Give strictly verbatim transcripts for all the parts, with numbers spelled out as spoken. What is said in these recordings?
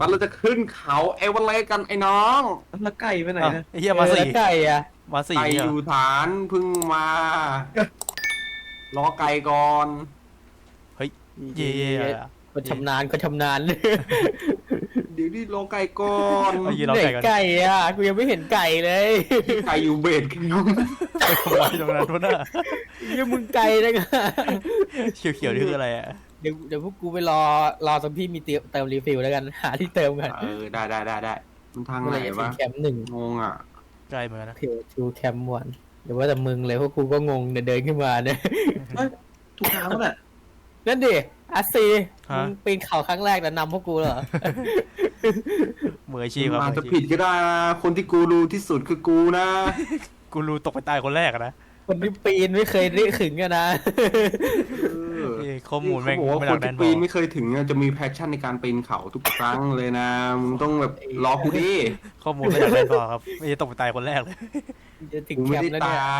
บัสเราจะขึ้นเขาเอเวอเรสต์กันไอ้น้องแล้วไก่ไปไหนอ้าวนะไอ้เหี้ยมาสี่ไก่อะมาสี่ไก่เหรออยู่ฐานเพึ่งมา รอไก่ก่อนเย่ๆอะก็ชำนาญก็ชำนาญเดี๋ยวนี่รอไก่ก่อนเอายืนรอไหนไก่กันไก่อะกูยังไม่เห็นไก่เลยไก่อยู่เบสกันน้องไปทำไมตรงนั้นวะน่ะยังมึงไก่นะเขียวๆนี่คืออะไรอ่ะเดี๋ยวเดี๋ยวพวกกูไปรอรอตรงที่มีเติมเติมรีฟิลแล้วกันหาที่เติมกันเออได้ได้ได้ได้มันทางเมื่ไหอน ไหร่จะถึวะงแคมป์หนึ่งงงอ่ะใกล้เหมือนกันนะเพลทูแคมป์วันเดี๋ยวว่าแต่มึงเลยพวกกูก็งงเดินเดินขึ้นมาเนี่ยถูกทางแล้วแหละนั่นดิอาซีมึงปีนเขาครั้งแรกแต่นำพวกกูเหรอมืออาชีพครับอาจมือจะอาชีผิพดก็ได้นะคนที่กูรู้ที่สุดคือกูนะกูรู้ตกไปตายคนแรกอะนะคนที่ปีนไม่เคยได้ขึงกันนะเออเอ้ยข้อมูลแม่งเขาบอกว่าไม่คหนันกแน่ที่นพปีอนไม่เคยถึงอะจะมีแพชชั่นในการปีนเขาทุกครั้งเลยนะมึงต้องแบบรอกูดิข้อมูลไม่หนักแน่นพอครับไม่ใช่ตกไปตายคนแรกเลยจะถึงกูแคไม่มได้ป์แล้วเนี่ยตาย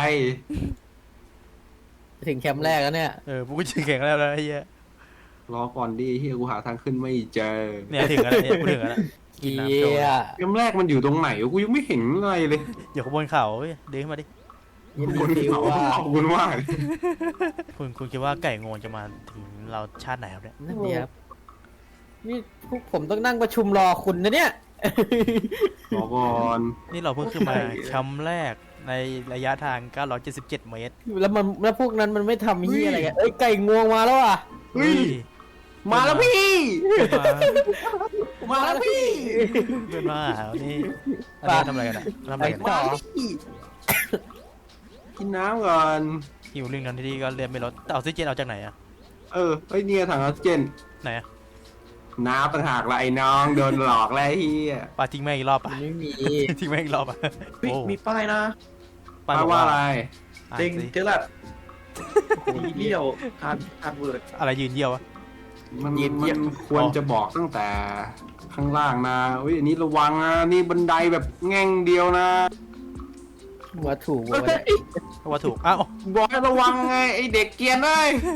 ถึงแคมป์แรกแล้วเนี่ยเออพวกกูชื่อแข่งแล้วนะไอ้เหี้ยรอก่อนดิเฮียกูหาทางขึ้นไม่เจอเนี่ยถึงแล้วเนี่ยกูถึงแล้วนะเกียเกมแรกมันอยู่ตรงไหนวะกูยังไม่เห็นอะไรเลยอยู่ข้างบนเขาเว้ยเดินขึ้นมาดิยินบนดีเขาว่าขอบคุณมากคุณคุณคิดว่าไก่งวงจะมาถึงเราชาติไหนครับเนี่ยนั่นเดีครับนี่พวกผมต้องนั่งประชุมรอคุณนะเนี่ยรอก่อนนี่เราเพิ่งขึ้นมาแคมป์แรกในระยะทางเก้าร้อยเจ็ดสิบเจ็ดเมตรแล้วมันแล้วพวกนั้นมันไม่ทำเฮียอะไรกันเอ้ยไก่งวงมาแล้วอ่ะเฮ้ยมาแล้วพี่มามาแล้วพี่เพื่อนมาหานี่อันนี้ทำอะไรกันอ่ะทำอะไรกันมาแล้วพี่กินน้ำก่อนหิวลิงนั้นที่ก็เรียนไม่ลดแต่ออกซิเจนเอาจากไหนอ่ะเออเฮ้ยเนี่ยถังออกซิเจนไหนอ่ะน้ำต่างหากละไอ้น้องโดนหลอกแล้วไอ้เฮียปาทิ้งแม่งอีกรอบมัอ่ะนไม่มีทิ้งแม่งอีกรอบอ่ะเฮ้ยโอ้มีป้ายนะป้าป้ายบอกว่าว่าอะไรอ่านเด้งสิเจอละทีเดียวทานทานเวิร์ดอะไรยืนเยี่ยวอะมันมันควรจะบอกตั้งแต่ข้างล่างนะอุ้ยอันนี้ระวังนะนี่บันไดแบบแง่งเดียวนะว่าถูกเฮ้ว่ายว่าถูกอ้าวบอกให้ระวังไงไอเด็กเกรียนเลย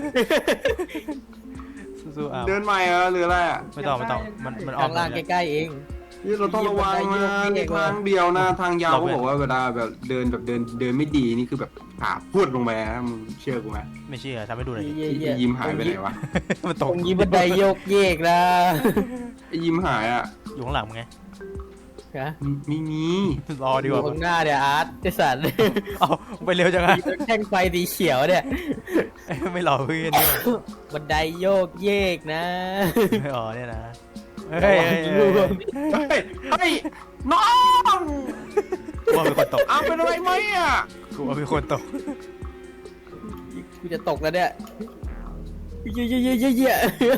สู้ๆอ้าวเดินใหม่เหรอหรืออะไรอ่ะไม่ต้องไม่ต้องมันมันออข้าก งล่างเลยใกล้ๆเองนี่เราต้องระวังนะนี่ทางเดียวนะทางยาวเขาบอกว่าเวลาแบบเดินแบบเดินเดินไม่ดีนี่คือแบบขาพูดลงไปนะมึงเชื่อกูไหมไม่เชื่อทำให้ดูหน่อยดิเย่ไอยิ้มหายไปไหนวะมันๆตตกรงนี้บันไดโยกเยกนะไอยิ้มหายอ่ะอยู่ข้างหลังมึงไงฮะไม่มีรอดีอก ยู่ว่าข้างหน้าเนี่ยอาร์ตเจสันเอาไปเร็วจังอะมีรถแท่งไฟสีเขียวเนี่ยไม่รอเพื่อนด้วยบันไดโยกเยกนะอ๋อเนี่ยนะเฮ้ยเฮ้ยเฮ้ยเฮ้ยเฮ้ยน้องกลัวมีคนตกเอาเป็นอะไรไหมอ่ะกลัวมีคนตกกูจะตกแล้วเนี่ยเยอะเยอะเยอะเยอะ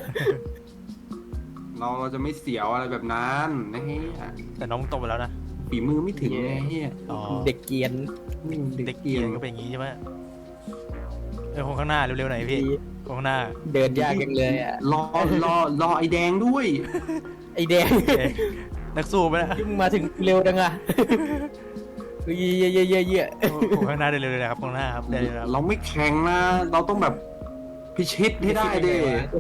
เราเราจะไม่เสียวอะไรแบบนั้นนะเฮียแต่น้องมึงตกไปแล้วนะฝีมือไม่ถึงไงเฮียอ๋อเด็กเกรียนเด็กเกียนก็เป็นอย่างงี้ใช่ไหมเออคนข้างหน้าเร็วๆหน่อยพี่คนข้างหน้าเดินยากจังเลยอ่ะรอรอรอไอแดงด้วยไอแดงเอ๊ะนักสู้ไปนะที่มึงมาถึงเร็วจังอ่ะเยอะเยอะเยอะเยอะเยอะคนข้างหน้าเร็วๆเลยครับคนข้างหน้าครับเร็วๆครับเราไม่แข่งนะ เราต้องแบบพิชิตให้ได้ดิ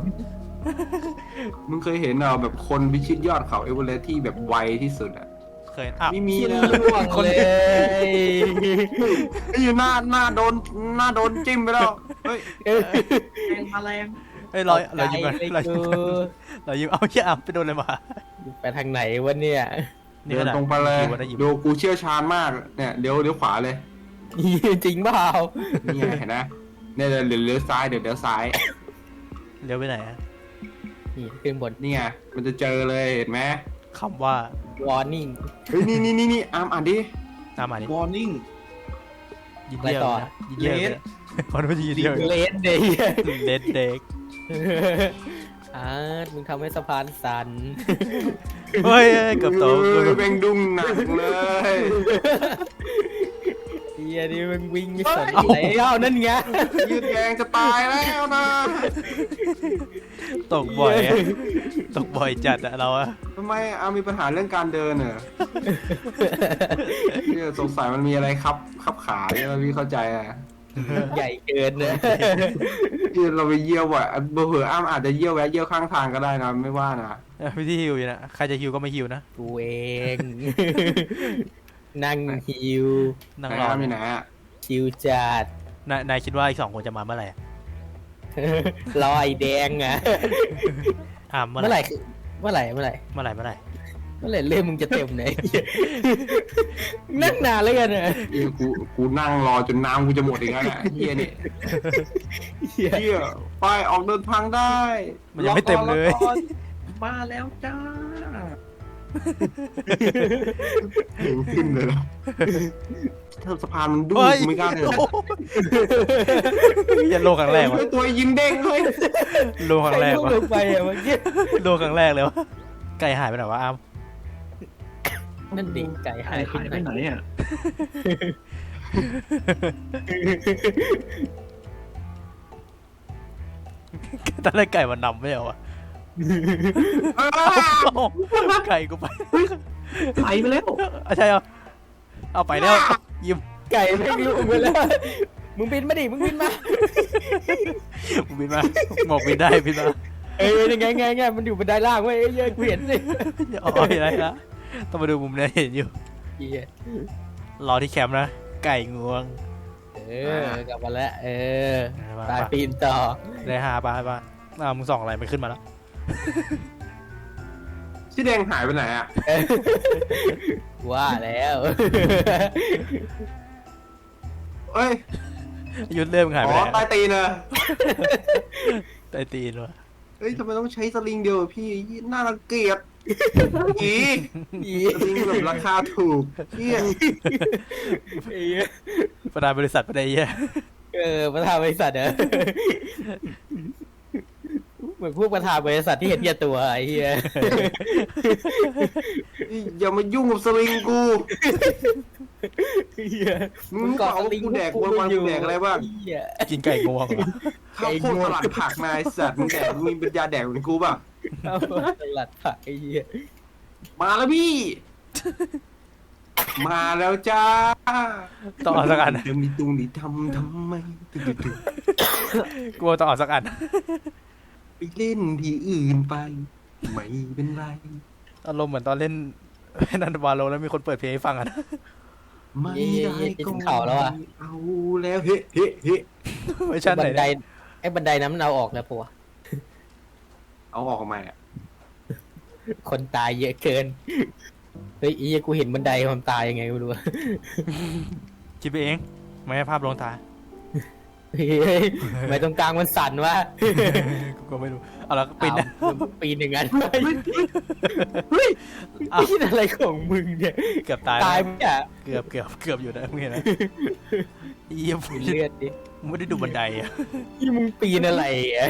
มึงเคยเห็นเหรอแบบคนพิชิตยอดเขาเอเวอเรสต์ที่แบบไวที่สุดอ่ะเคยอ้าวไม่มีที่นะล่วงเลยไอ้อยู่หน้าหน้าโดนหน้าโดนจิ้มไปแล้วเฮ้ยแรงมาแรงเฮ้ยเราเรายิ้มกันไกลเราเลยยิ้มกูเรายิ้มเอาเชี่ยเอาไปโดนอะไรมาไปทางไหนวะเนี่ยนี่เดิขนนาดตรงไปเลยคิวว่าได้ยิ้มดูกูเชี่ยวชาญมากเนี่ยเดี๋ยวเดี๋ยวขวาเลยจริงเปล่านี่ไงเห็นนะเนี่ยเดี๋ยวเดี๋ยวเลี้ยวซ้ายเดี๋ยวเดี๋ยวซ้ายเลี้ยวไปไหนอะนี่ขึ้นบนนี่ไงมันจะเจอเลยเห็นไหมคำว่า warning เฮ้ยนี่นี่นี่นี่อามอ่านดิตามมาดิวอร์นิ่งยินเดียวไปต่อนะยินเดียวเลยนะพอรู้ยินเดียวเลนเดย์เด็ดเด็กอาร์ตมึงทำให้สะพานสั่นเฮ้ยเกือบตกเอเกือบอตกเบ่งดุ้งหนักเลยเฮียนี่มึงวิ่งไม่สนอะไรเอ้านั่นไงยืดแรงจะตายแล้วนะตกบ่อยอะตกบ่อยจัดอะเราอะทำไมอามีปัญหาเรื่องการเดินเหรอเนี่ยสงสัยมันมีอะไรครับขับขาเนี่ยพี่เข้าใจอ่ะใหญ่เกินนะที่เราไปเยี่ยวอ่ะเบอร์เผออ้ามอาจจะเยี่ยวแวะเยี่ยวข้างทางก็ได้นะไม่ว่านะเออพี่ที่ฮิวอยู่นะใครจะฮิวก็ไม่ฮิวนะกูเอง นั่งฮิวนั่งไหนรออ้ามอยู่ไหนอ่ะชิวจัดนายนายคิดว่าอีกสองคนจะมาเมื่อไหร่รอไอ้แดงอ่ะอ่าเมื่อเมื่อไหไหร่ร่คือเมื่อไหร่เมื่อไหร่เมื่อไหร่เมื่อไหร่เมื่อไหร่เล่มมึงจะเต็มไหน นั่งนานแล้วกันนะเฮียกูกูนั่งรอจนน้ำกูจะหมดอีกแล้วเนี่ยเฮียเนี่ยเหี้ยเฮียไปออกเดินทางได้มันยังไม่เต็มเลยรอก่อนมาแล้วจ้าเห็นขึ้นเลยนะเธอสะพานมันดูเฮ้ยกูไม่กล้าเดินอย่าโลครั้งแรกวะตัวยิงเด้งเลยโลครั้งแรกใครวะลงไปอ่ะเมื่อกี้โลครั้งแรกเลยวะไก่หายไปไหนวะอ้ามนั่นดิไก่หาหาย ยหายไปไหนอ่ะตอนแรกไก่มันนำไม่เหรอวะอ้าวไก่กูไปไปไปแล้วอ่ะใช่เหรอเอาไปแล้วยิ้มไก่ไม่รู้ไปแล้ว มึงบินมาดิ มึงบินมากูบินมาบอกบินได้บินมาเอ้ยยังไงไงไงมันอยู่บันไดล่างเว้ยเอ้ยเอ้ยกูเห็นสิอ๋อเห็นอะไรละต้องมาดูมุมนี้เห็นอยู่เหี้ยรอที่แคมป์นะ ไก่งวงเออกลับมาแล้ว เออมาตายปีนต่อได้หาปะปะอ้าวมึงส่องอะไรมันขึ้นมาแล้วชื่อแดงหายไปไหนอ่ะว่าแล้วเอ้ยยุดเริ่มหายอ๋ไปอไหนใต้ตีนเนอะใต้ตีนวะเอ้ยทำไมต้องใช้สลิงเดียวอะพี่น่ารังเกียจอีอีสลิงแบบราคาถูกเฮียไอ้เหี้ยประธานบริษัทประเดี๋ยวเออประธานบริษัทเหรอเหมือนพวกประธานบริษัทที่เห็นแก่ตัวไอ้เหี้ยอย่ามายุ่งกับสลิงกูเหี้ยมึงบอกว่ากูแดกวันวันๆกูแดกอะไรบ้างเหี้ยกินไก่งวงเหรอข้าวโพดสลัดผักนายสัตว์มึงแดกมึงมีปัญญาแดกเหมือนกูป่ะเอาสลัดผักไอ้เหี้ยมาแล้วพี่ มาแล้วจ้าต้องเอาสักอันเดี๋ยวมีตุงนี่ทำทำไมตึ๊ดกลัวต้องเอาสักอันๆไปเล่นที่อื่นไป ไม่เป็นไรอารมณ์เหมือนตอนเล่น นันวาโลแล้วมีคนเปิดเพลงให้ฟังอะนะไม่ได้ก็เข่าแล้วอ่ะเอาแล้วเฮ้เฮ้เฮ้ไม่ใช่บัไหนนไดเนี่ยไอ้บันไดน้ำมันเอาออกแล้วปะวะเอาออกมาอ่ะคนตายเยอะเกินเฮ้ยอีกูเห็นบันไดความตายยังไงไม่รู้อะคิดไปเองไม่ให้ภาพลวงตาเฮ้ยทำไมตรงกลางมันสั่นวะกูก็ไม่รู้เอาแล้วก็ปินนะอ้าวมึงปีนอย่างนั้นเฮ้ยปีนอะไรของมึงเนี่ยเกือบตายตายแล้วไหมอ่ะเกือบเกือบเกือบอยู่นะมึงเห็นไหมเยี่ยมมีเลือดดิไม่ได้ดูบันไดอะที่มึงปีนอะไรอ่ะ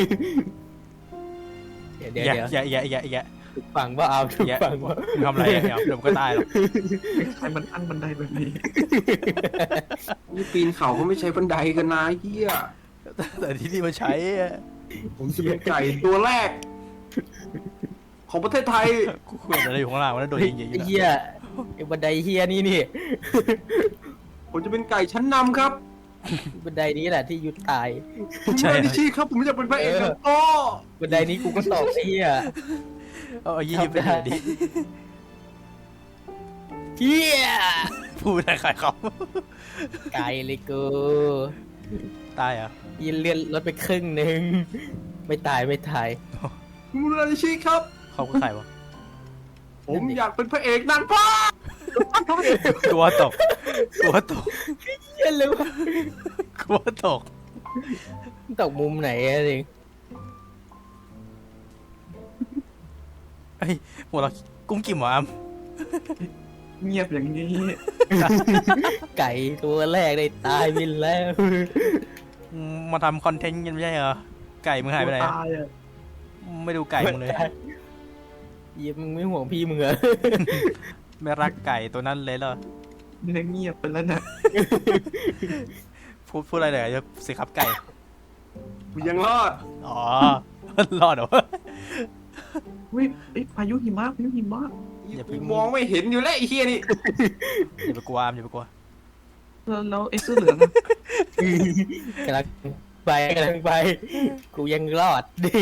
เดี๋ยวเดี๋ยวอย่าเดี๋ยวอย่าอย่าอย่าอย่าถูกฟังว่าเอาถูกอย่าฟังว่ามึงทำอะไรอะเดี๋ยวเดี๋ยวมึงก็ตายหรอกใครมันอันบันไดแบบนี้นี่ปีนเขาก็ไม่ใช้บันไดกันนะเฮียแต่ที่นี่มันใช้อะผมจะเป็นไก่ตัวแรก ของประเทศไทยกูควรอะไรอยู่ข้างล่างวะนั่นโดนยิงๆอยู่ไอ้นะเหี้ยไอ้บันไดเหี้ยนี่นี่ผมจะเป็นไก่ชั้นนำครับบันไดนี้แหละที่ยุดตายผมไม่ได้ชี้ครับ ผมจะเป็นพระเอกครับโอ้บันไดนี้กูก็ตกไอ้เหี้ยเอาเอายี่สิบไปเลยดิเหี้ยพูดอะไรใครเขาไกลเลยกูตายเหรอ่ะยินเลื่อนรถไปครึ่งหนึ่งไม่ตายไม่ตายผมไม่ได้ชี้ครับเขาก็ใครวะผมอยากเป็นพระเอกนางฟ้าตัวตกตัวตกเหี้ยเลยวะกลัวตกตกมุมไหนอะจริงไอ้ยหัวเราะกุ้งกิ่มเหรออ้ำเงียบอย่างนี้ไก่ตัวแรกได้ตายไปแล้วมาทำคอนเทนต์กันไม่ใช่เหรอ ไก่มึงหายไปไหนอะตายอ่ะไม่ดูไก่มึงเลยเหี้ยมึงไม่ห่วงพี่มึงเหรอไม่รักไก่ตัวนั้นเลยเหรอนี่เงียบไปแล้วนะพูดพูดอะไรเลยจะสิครับไก่กูยังรอดอ๋อ รอดเหรอวะเฮ้ยเอ้ยพายุหิมะพายุหิมะอย่าไปกูมองไม่เห็นอยู่แล้วไอ้เฮียนี่อย่าไปกลัวอ้ำอย่าไปกลัวแล้วแล้วไอ้เสื้อเหลืองอะกำลังไปกำลังไป กูยังรอด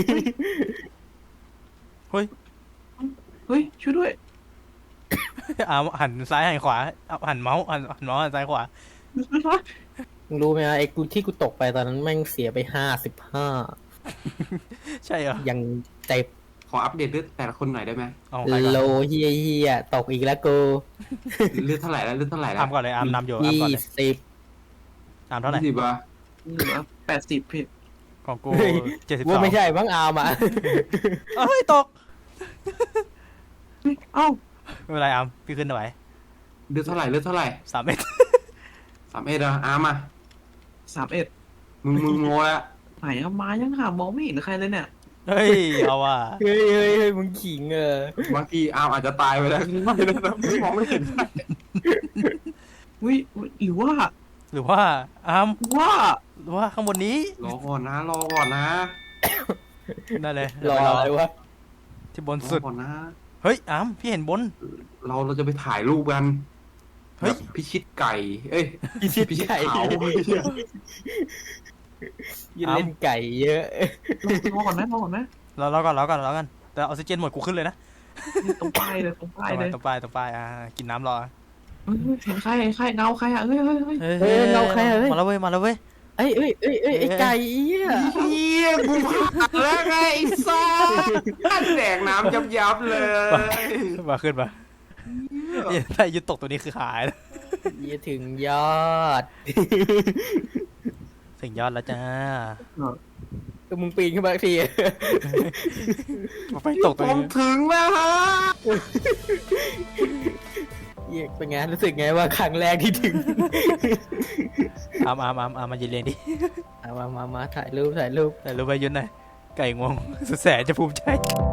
เฮ้ยเฮ้ยช่วยด้วยอาหันซ้ายหันขวาเอาหันเมาส์หันหันเมาส์หันซ้ายขวามึงรู้ไหมวะไอ้กูที่กูตกไปตอนนั้นแม่งเสียไปห้าสิบห้าใช่เหรอยังเจ็บขออัปเดตเลือดแต่ละคนหน่อยได้ไหมเอาใครก่อนโลเฮียเฮียตกอีกแล้วกูเลือดเท่าไหร่แล้วเลือดเท่าไหร่แล้อาว มก่อนเลยอามนำอยู่อามยี่ก่อนเลยสิบอามเท่าไหร่ยี่สิบอ่ะเหลือแปดสิบพี่ของกูเฮ้ยเจ็ดสิบสอว่าง ไม่ใช่บ้างอามอ่ะเอ้ยตกเฮ้ยเอ้าไม่เป็นไรอามพี่ขึ้นไหวเลือดเท่าไหร่เลือดเท่าไหร่สามเมตรสามเอ็ดอ่ะอาร์มอ่ะสามเอ็ดมึงมึงโง่ละไหนอะมายังหามองไม่เห็นใครเลยเนี่ยเฮ้ยเอาว่ะเฮ้ยเฮ้ยเฮ้ยมึงขิงเออบางทีอาร์มอาจจะตายไปแล้วไม่ได้นะมองไม่เห็นวิหรือว่าหรือว่าอามว่าหรือว่าข้างบนนี้รอก่อนนะรอก่อนนะนั่นเลยรออะไรวะที่บนรสุอดก่อนนะเฮ้ยอามพี่เห็นบนเราเราจะไปถ่ายรูปกันเฮ้ยแบบพิชิตไก่ เอ้ยพิชิตพิชิตไก่เขายืนเล่นไก่เยอะรอก่อนไหมรอก่อนไหมรอรอก่อนรอก่อนรอก่อนแต่ออกซิเจนหมดกูขึ้นเลยนะนี่ตรงป้ายเลยตรงป้ายเลยตรงป้ายตรงป้ายอ่ากินน้ำรอเฮ้ยเห็นใครเห็นใครเงาใครอะเฮ้ยเฮ้ยเฮ้ยเฮ้ยเราใครอะเฮ้ยมาแล้วเว้ยมาแล้วเว้ยเอ้ยเอ้ยเอ้ยเอ้ยไอ้ไก่เหี้ยเฮียกูผ่านแล้วไงไอ้ซ่าแดกน้ำยับยับๆเลยมาขึ้นมาถ้ายุดตกตัวนี้คือหายแล้วเหี้ยถึงยอดถึงยอดแล้วจ้าก็มึงปีนขึ้นมาทีมาไปตกตัวผมนี้ถึงแล้วฮะเหี้ยเป็นไงรู้สึกไงว่าครั้งแรกที่ถึงอามอามอามอามมายืนเรียนดิเอามามามาถ่ายรูปถ่ายรูปแต่รู้ไปยืนหน่อยไก่งวงสุดแสนจะภูมิใจ